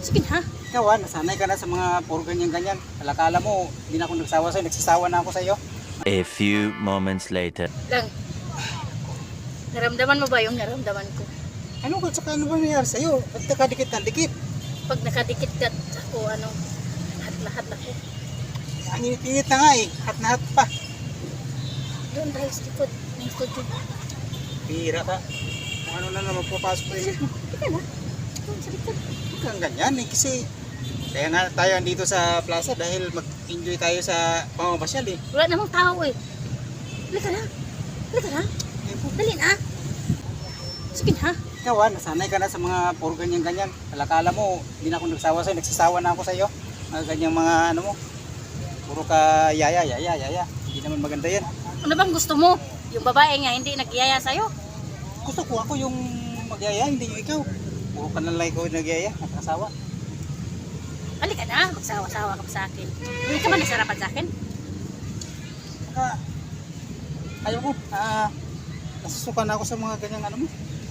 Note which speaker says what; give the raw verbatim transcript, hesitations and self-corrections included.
Speaker 1: Sige na.
Speaker 2: Ikaw ah, nasanay ka na sa mga puro ganyan-ganyan. Alakala mo, hindi na ako nagsawa sa'yo, nagsisawa na ako sa'yo.
Speaker 3: A few moments later.
Speaker 1: Lang. Naramdaman mo ba yung naramdaman ko?
Speaker 2: Ano ka, saka ano ba nangyari sa'yo? Ba't nakadikit na dikit?
Speaker 1: Pag nakadikit ka ako, ano, lahat-lahat ako.
Speaker 2: Ang init-init na nga eh, hat na hat pa.
Speaker 1: Doon tayo sa likod. May studio.
Speaker 2: Pira ka. Kung ano na naman papasok ko eh.
Speaker 1: Teka na. Doon sa likod.
Speaker 2: Huwag kang ganyan eh, kasi kaya nga tayo andito sa plaza dahil mag-enjoy tayo sa pamamasyal eh.
Speaker 1: Wala namang tao eh. Halika na. Halika na. Dali na. Sige na.
Speaker 2: Ikaw ah, nasanay ka na sa mga puro ganyan-ganyan. Alakala mo, hindi na ako nagsawa sa'yo, nagsisawa na ako sa'yo. Mga ganyang mga ano mo. Puro ka yaya, yaya, yaya. Hindi naman maganda yan.
Speaker 1: Ano bang gusto mo? Yung babae nga hindi nagyaya sa'yo?
Speaker 2: Gusto ko ako yung magyaya, hindi yung ikaw. Puro ka na lang ikaw yung nagyaya, nakasawa.
Speaker 1: Halika na. Magsawa-sawa ka pa sa akin. Hindi ka ba nasarapan sa akin?
Speaker 2: Saka, ayaw ko, ah, nasusuka na ako sa mga ganyang ano mo.